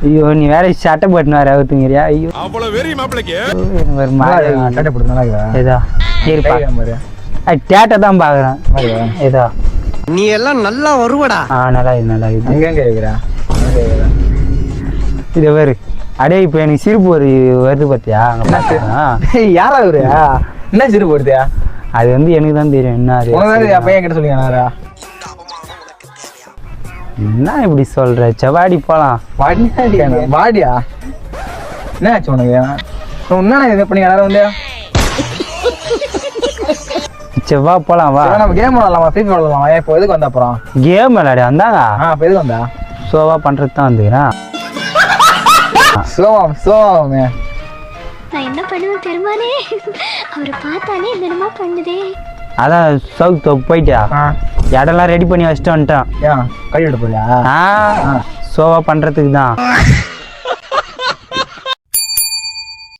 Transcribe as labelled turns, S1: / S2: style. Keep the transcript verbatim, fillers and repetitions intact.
S1: ஐயோ நீ வேற சட்டை போட்டுன்னு வேற அவுத்துங்கிறியா? ஐயோ
S2: அவ்வளவு வெறி மாப்பிளைக்கு
S1: ஒரு மாதிரி
S3: சட்டை போட்டு நல்லா இருக்குதா?
S1: ஏதா இருப்பா
S3: மாதிரி
S1: டேட்டை தான் பாக்குறேன். ஏதா
S4: நீ எல்லாம் நல்லா வருவடா.
S1: ஆ நல்லா இது நல்லா இது
S3: எங்க எங்க இருக்கிறா?
S1: இது வேறு அடே இப்போ எனக்கு சிரிப்பு ஒரு வருது பார்த்தியா?
S3: யாரா அவரு? என்ன சிறு போடுதியா?
S1: அது வந்து எனக்கு தான் தெரியும். என்ன அது
S3: பையன் கிட்ட சொல்லுங்க.
S1: என்ன இப்படி சொல்ற? செவாடி போலாம்.
S3: வாடியா என்ன ஆச்சு உனக்கு? என்ன இது பண்ணி யாரும் வந்து
S1: செவ்வா போலாம் வா.
S3: நம்ம கேம் விளாடலாமா? ஃப்ரீ ஃபயர் விளாடலாமா? இப்போ எதுக்கு வந்த அப்புறம்
S1: கேம் விளையாடி வந்தாங்க.
S3: ஆ இப்போ எதுக்கு வந்தா?
S1: சோவா பண்றது தான் வந்துக்கிறேன்.
S3: சோவாம் சோவாமே
S5: நான் என்ன பண்ணுவேன் பெருமானே? அவரை பார்த்தாலே என்னமா பண்ணுதே.
S1: அதான் சவுத் போயிட்டா இடம்லாம் ரெடி பண்ணி வச்சுட்டு வந்துட்டான்.
S3: ஏன் கை எடுப்பா?
S1: ஆ சோவா பண்றதுக்கு தான்.